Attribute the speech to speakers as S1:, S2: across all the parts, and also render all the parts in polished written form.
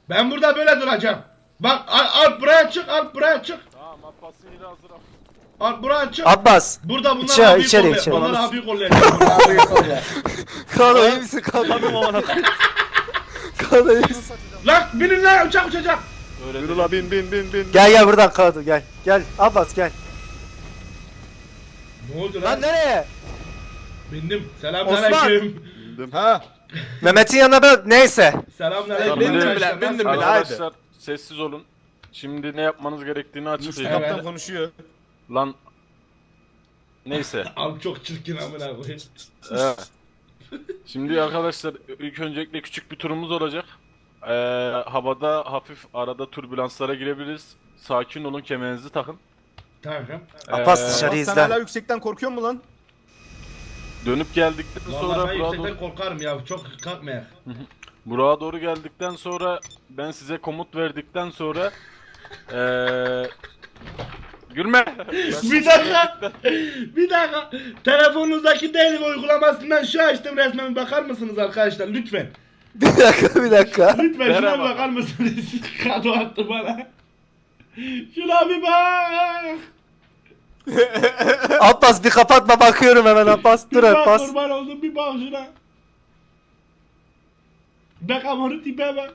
S1: Ben burada böyle duracağım. Bak Alp buraya çık, Alp buraya çık.
S2: Tamam Abbas'ın yeri hazır abi.
S1: Alp buraya çık.
S3: Abbas.
S1: Burada bunlar
S3: İçeri,
S1: abiyi
S3: içeri,
S1: kollayacak.
S3: içeri.
S1: Onlar abiyi kollayacak.
S3: Kano iyi misin Kano?
S4: Tabii amına.
S3: Kano iyi misin?
S1: Lan binin lan uçak uçacak.
S2: Öyle
S4: Yürü
S2: değil.
S4: la bin.
S3: Gel buradan Kano gel. Gel Abbas gel.
S1: Ne oldu
S3: Lan
S1: lan?
S3: nereye?
S1: Bindim. Selamünaleyküm.
S4: Bindim. Ha.
S3: Mehmet'in yanına ben neyse.
S1: Selamünaleyküm.
S4: Bindim bile,
S1: arkadaşlar.
S4: bindim bile.
S2: Arkadaşlar sessiz olun. Şimdi ne yapmanız gerektiğini açıklayacağım.
S1: Evet.
S4: Kaptan konuşuyor.
S2: Lan neyse.
S1: Abi çok çirkin amına koyayım.
S2: Evet. Şimdi arkadaşlar ilk öncelikle küçük bir turumuz olacak. Havada hafif arada türbülanslara girebiliriz. Sakin olun, kemerinizi takın.
S1: Tamam.
S3: Abbas
S2: Ee,
S3: dışarı
S4: Sen
S3: izle.
S4: hala yüksekten korkuyor mu lan?
S2: Dönüp geldikten
S1: Vallahi
S2: sonra
S1: ben
S2: buraya
S1: yüksekten
S2: doğru,
S1: korkarım ya. Çok kalkmayak.
S2: buraya doğru geldikten sonra ben size komut verdikten sonra gülme.
S1: Bir dakika. Bir dakika. Telefonunuzdaki değil uygulamasından şu açtım resmen bakar mısınız arkadaşlar lütfen.
S3: Bir dakika.
S1: Lütfen şuna
S2: Merhaba.
S1: bakar mısınız? Kado attı bana. Şuna bir bak.
S3: Abbas bir kapatma bakıyorum hemen Abbas. Dur
S1: Bir bak
S3: Abbas.
S1: kurban oldum bir bak şuna. Bak amanı tipe bak.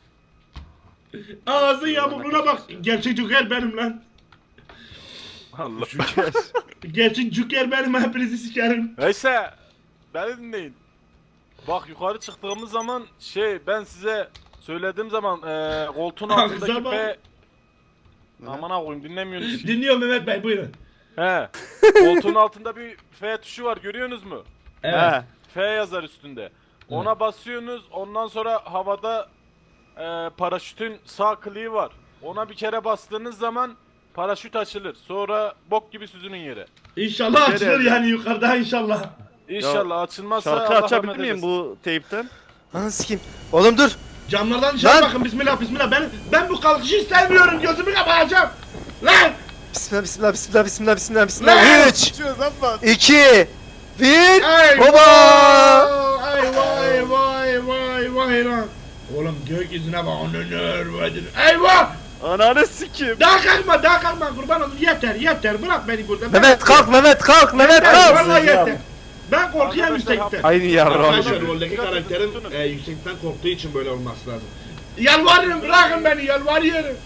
S1: Ağzın yamukluğuna bak. Gerçek Joker benim lan.
S2: Allah.
S1: Gerçek Joker benim hepinizi sikerim.
S2: Neyse. Beni dinleyin. Bak yukarı çıktığımız zaman ben size söylediğim zaman koltuğun
S1: Ağza
S2: altındaki
S1: bak.
S2: F... Aman koyayım dinlemiyorsunuz ki.
S1: Dinliyorum Mehmet Bey buyurun.
S2: He. Koltuğun altında bir F tuşu var görüyorsunuz mu?
S1: Evet.
S2: F yazar üstünde. Ona basıyorsunuz ondan sonra havada paraşütün sağ kliği var. Ona bir kere bastığınız zaman paraşüt açılır. Sonra bok gibi süzünün yere.
S1: İnşallah açılır
S4: Nereye?
S1: yani yukarıda inşallah.
S2: İnşallah açılmazsa
S4: Şarkı
S2: Allah
S4: açabilir
S2: rahmet
S4: miyim
S2: eylesin.
S4: bu teypten?
S3: Lan sikeyim. Oğlum dur.
S1: Camlardan dışarı
S3: Lan!
S1: bakın bismillah bismillah ben bu kalkışı sevmiyorum gözümü kapatacağım. Lan!
S3: Bismillah.
S1: Lan!
S3: 3,
S4: Açıyoruz Abbas.
S3: 2, 1.
S1: Ay
S3: Baba!
S1: Ay vay lan. Oğlum gökyüzüne bak onunur vadin. Eyvah!
S4: Ananı sikeyim.
S1: Daha kalkma kurban olayım yeter bırak beni burada.
S3: Mehmet kalk Mehmet kalk.
S1: Vallahi yeter. Ben korkuyorum
S2: Arkadaşlar,
S1: yüksekten.
S4: Aynı yavrum.
S1: Arkadaşlar roldeki karakterim yüksekten korktuğu için böyle olması lazım. Yalvarırım bırakın beni yalvarıyorum.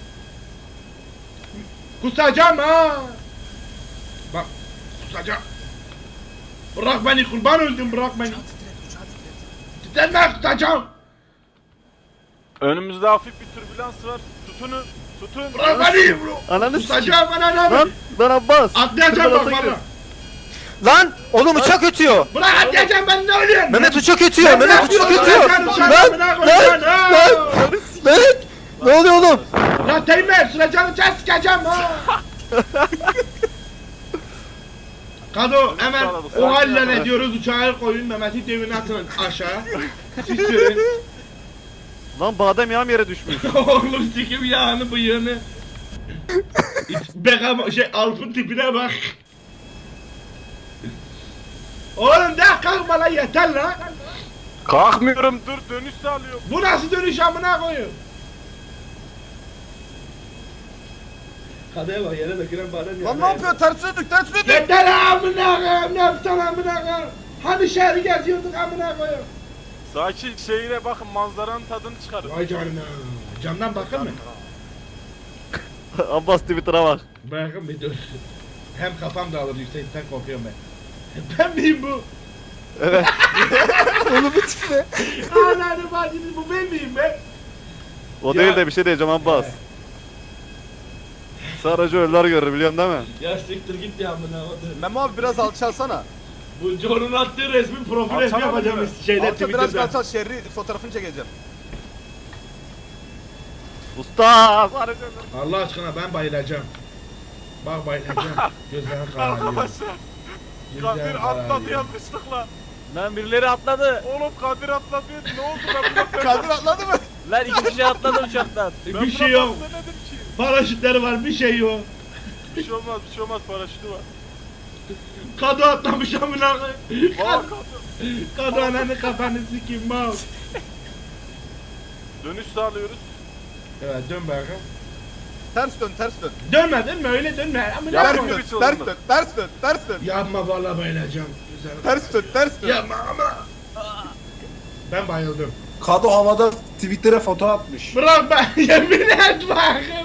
S1: Kusacağım ha. Bak kusacağım. Bırak beni kurban öldüm bırak beni. Titretme kusacağım.
S2: Önümüzde hafif bir türbülans var. Tutun.
S1: Bırak beni.
S4: Ananı sikeyim.
S1: Kusacağım ananı.
S4: Lan Abbas.
S1: Atlayacağım bak
S4: Türbülansa
S1: valla.
S3: Lan oğlum uçak ötüyor.
S1: Bırak atlayacağım ben ne ölüyorum.
S3: Mehmet uçak ötüyor. Mehmet uçak ötüyor. Lan. Mehmet. Ne oluyor oğlum?
S1: Lan Teğmen süreceğim uçağı sikeceğim ha. Kado hemen o halle ne diyoruz uçağı koyun Mehmet'i devine atın aşağı. Sürün.
S4: Lan badem yağım yere düşmüş.
S1: Oğlum sikim yağını bıyığını. Beckham Alp'ın tipine bak. Oğlum daha kalkma lan yeter lan.
S2: Kalkmıyorum dur dönüş sağlıyorum.
S1: Bu nasıl dönüş amına koyuyor? Kadıya bak yere dökülen badem
S4: Lan ne yapıyor? Tersine dök.
S1: Yeter amına koyayım ne yapsan amına koyayım. Hani şehri geziyorduk amına koyayım.
S2: Sakin şeyine bakın manzaranın tadını çıkarın.
S1: Vay canına. Camdan bakın mı?
S4: Abbas Twitter'a bak.
S1: Bakın bir dur. Hem kafam dağılır yüksekten korkuyorum ben. Ben miyim bu?
S3: Oğlum bu tip ne?
S1: Allah'ını bacını bu ben miyim ben?
S4: O
S1: Ya.
S4: değil de bir şey diyeceğim Abbas. Sadece ölüler görür biliyorsun değil mi?
S1: Ya siktir git ya amına koyayım.
S4: Memo abi biraz alçalsana.
S1: Bu John'un attığı resmi profil resmi
S2: Alçalama
S1: yapacağım
S2: değil
S1: şeyde Twitter'da.
S4: şerri fotoğrafını çekeceğim. Usta sadece ölür.
S1: Allah aşkına ben bayılacağım. Bak bayılacağım. Gözlerim kararıyor.
S2: Arkadaşlar Kadir
S1: Gözlerim
S2: atladı
S1: kararıyor.
S2: yanlışlıkla.
S5: Lan birileri atladı.
S2: Oğlum Kadir atladı ne oldu ben
S4: Kadir atladı mı?
S5: Lan iki kişi atladı uçaktan.
S1: Bir şey yok.
S2: Denedim ki.
S1: Paraşütleri var bir şey yok.
S2: Bir şey olmaz paraşütü var.
S1: Kadı atlamış amına koyayım.
S2: Aa
S1: Kadı ananı kafanı sikeyim mal.
S2: Dönüş sağlıyoruz.
S1: Evet dön bakalım.
S4: Ters dön, ters dön.
S1: Dönme öyle dönme. Ama
S2: Ya,
S4: Ters
S1: yapma.
S2: bir
S4: dön,
S2: biçim
S4: ters
S2: oldu.
S4: dön, ters dön, ters dön.
S1: Yapma vallahi bayılacağım. Güzel.
S4: Ters dön, ters dön.
S1: Yapma ama. Ben bayıldım.
S3: Kado havada Twitter'a foto atmış.
S1: Bırak ben yemin et bakayım.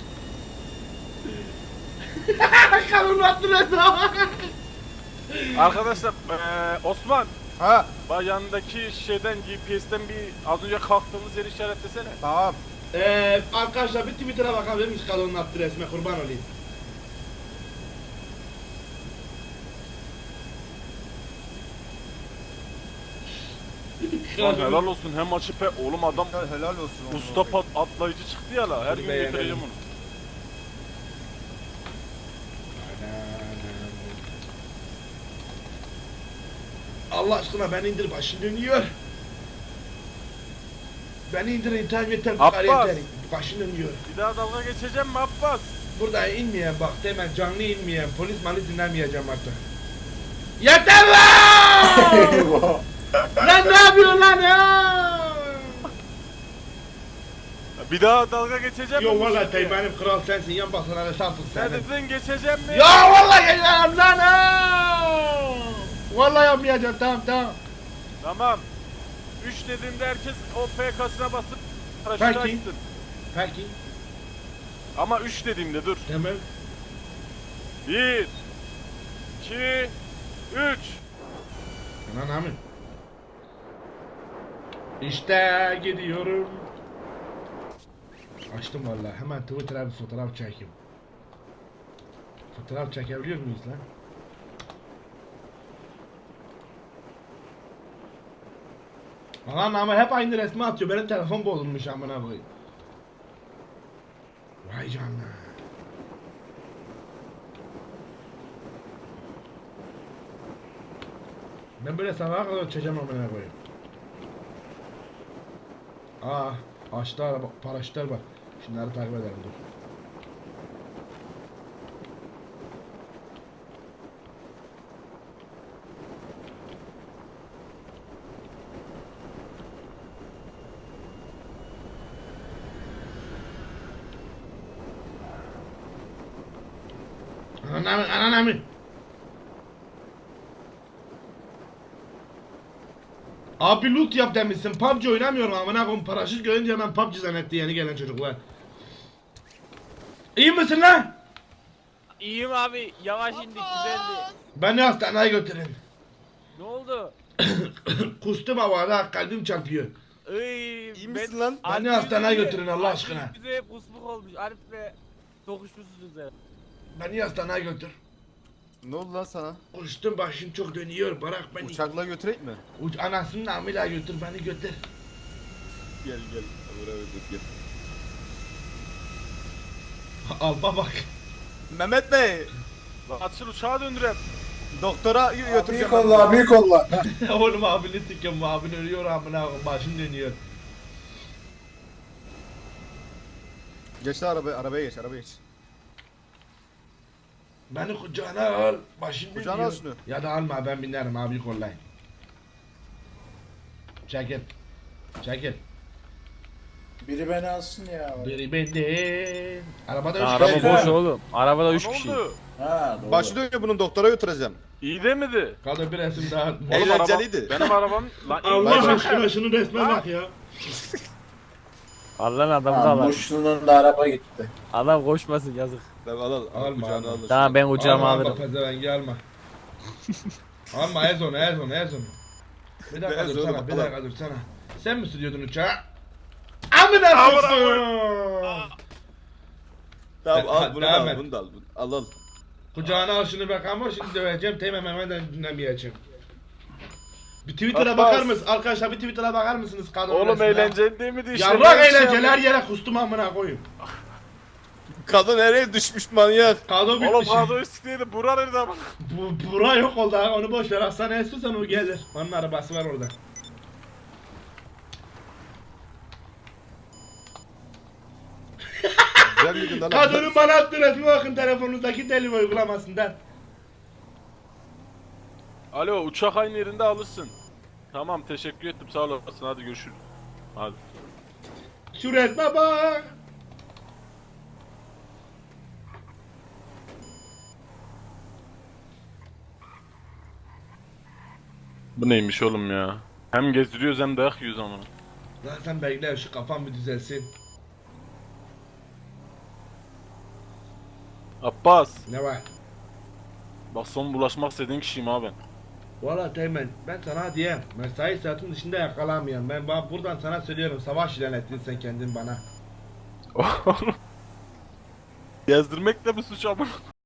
S1: Kalın attın
S2: Arkadaşlar Osman
S4: Ha,
S2: bak yanındaki şeyden GPS'ten bir az önce kalktığımız yeri işaretlesene.
S4: tamam.
S1: Arkadaşlar bir Twitter'a bakabilir miyiz Kalon'un attığı resme kurban olayım.
S2: Lan helal olsun hem açıp oğlum adam
S4: Helal olsun.
S2: usta atlayıcı çıktı ya la her gün
S1: Beğenelim.
S2: götüreceğim onu.
S1: Allah aşkına beni indir başım dönüyor. Beni indir internet yeter bu
S2: Abbas.
S1: kadar yeter. Başım dönüyor.
S2: Bir daha dalga geçeceğim mi Abbas?
S1: Burada inmeyen bak hemen canlı inmeyen polis malı dinlemeyeceğim artık. Yeter lan! Lan ne yapıyorsun lan ya?
S2: Bir daha dalga geçeceğim mi?
S1: Yo
S2: bu
S1: vallahi
S2: şekilde?
S1: benim kral sensin yan basana ve sansın
S2: Ne
S1: sen.
S2: dedin geçeceğim mi?
S1: Ya vallahi geçeceğim lan ha! Vallahi yapmayacağım tamam.
S2: Tamam. 3 dediğimde herkes o FK'sına basıp paraşütü
S1: Peki.
S2: açsın.
S1: Peki.
S2: Ama 3 dediğimde dur.
S1: Tamam.
S2: 1 2 3
S1: Anan amin. İşte gidiyorum. Açtım vallahi. Hemen Twitter'a bir fotoğraf çekeyim. Fotoğraf çekebiliyor muyuz lan? Aman ama hep aynı resmi atıyor. Benim telefon bozulmuş amına koyayım. Vay canına. Ben böyle sabaha kadar çekeceğim amına koyayım. Açtı araba, paraşütler var. Şunları takip edelim dur. Anan. Abi loot yap demişsin. PUBG oynamıyorum amına koyayım. Paraşüt görünce hemen PUBG zannetti yeni gelen çocuklar. İyi misin lan?
S5: İyiyim abi. Yavaş indik güzeldi.
S1: Beni hastaneye götürün.
S5: Ne oldu?
S1: Kustum havada kalbim çarpıyor.
S4: İyi misin lan?
S1: Beni hastaneye götürün Allah aşkına.
S5: Bize hep kusmuk olmuş. Arif'le tokuşmuşsunuz ya.
S1: Beni hastaneye götür.
S4: Ne oldu lan sana?
S1: Kustum başım çok dönüyor bırak beni.
S4: Uçakla götüreyim mi?
S1: Anasının amıyla götür beni götür.
S4: Gel. Buraya gel.
S1: Alba bak.
S4: Mehmet Bey,
S2: Lan açıl uçağa döndürem.
S4: doktora
S3: Büyük
S4: götüreceğim.
S3: kolla, büyük kolla.
S1: Oğlum abini sikim abin ölüyor amına koyayım başım dönüyor.
S4: Geç de arabaya geç.
S1: Beni kucağına al başım dönüyor.
S4: Kucağına al şunu.
S1: Ya da alma ben binerim abi kollay. Çekil.
S3: Biri beni alsın ya.
S1: Biri benden. Arabada üç
S5: Araba
S1: kişi.
S5: boş oğlum. Arabada 3
S2: Ne
S5: kişi.
S2: oldu?
S3: Ha doğru.
S4: Başı dönüyor bunun doktora götüreceğim.
S2: İyi de miydi?
S1: Kaldı bir resim daha.
S2: Oğlum
S4: Eğlenceliydi.
S2: Benim arabam lan iyi
S1: Allah
S2: başım.
S1: aşkına şunun resme bak ya.
S5: Allah'ın adamı da
S3: Ha,
S5: var.
S3: Muşlu'nun da araba gitti.
S5: Adam koşmasın yazık.
S4: Al
S1: Alma,
S4: kucağına
S1: alma.
S4: al.
S5: Tamam ben kucağıma
S1: Alma
S5: alırım.
S1: pezevengi alma. Alma ez onu. Bir dakika
S4: Ez
S1: dursana
S4: oğlum,
S1: bir
S4: al.
S1: dakika dursana. Sen mi sürüyordun uçağı? Amına koyayım.
S4: Tamam al bunu da
S1: Devam
S4: al
S1: et.
S4: bunu da al. Al.
S1: Kucağına al şunu bak ama şimdi döveceğim temem hemen dinlemeyeceğim. Bir Twitter'a
S2: Abbas.
S1: bakar mısın? Arkadaşlar bir Twitter'a bakar mısınız? Kadın
S2: Oğlum
S1: resmine?
S2: eğlenceli değil miydi işte?
S1: Yarrak
S2: Ne şey
S1: eğlenceler
S2: yapayım?
S1: yere kustum amına koyayım.
S4: Kadın nereye düşmüş manyak?
S1: Kadın
S2: Oğlum
S1: bitmiş.
S2: kadro üstüydü bura nerede ama?
S1: Bura yok oldu ha onu boş ver hastaneye sürsen o gelir. Onun arabası var orada.
S4: Güzel bir gün lan.
S1: Kadının bana attığı resmi bakın telefonunuzdaki deli uygulamasından.
S2: Alo uçak aynı yerinde alırsın. Tamam teşekkür ettim sağ olasın hadi görüşürüz. Hadi.
S1: Şu resme bak.
S2: Bu neymiş oğlum ya? Hem gezdiriyoruz hem dayak yiyoruz amına.
S1: Lan sen bekle şu kafam bir düzelsin.
S2: Abbas,
S1: Ne var?
S2: bak son bulaşmak istediğin kişiyim abi.
S1: Valla Teğmen ben sana diyeyim. Mesai saatin dışında yakalanmayan. Buradan sana söylüyorum. Savaş ilan ettin sen kendin bana.
S2: Gezdirmek de bir suç amına.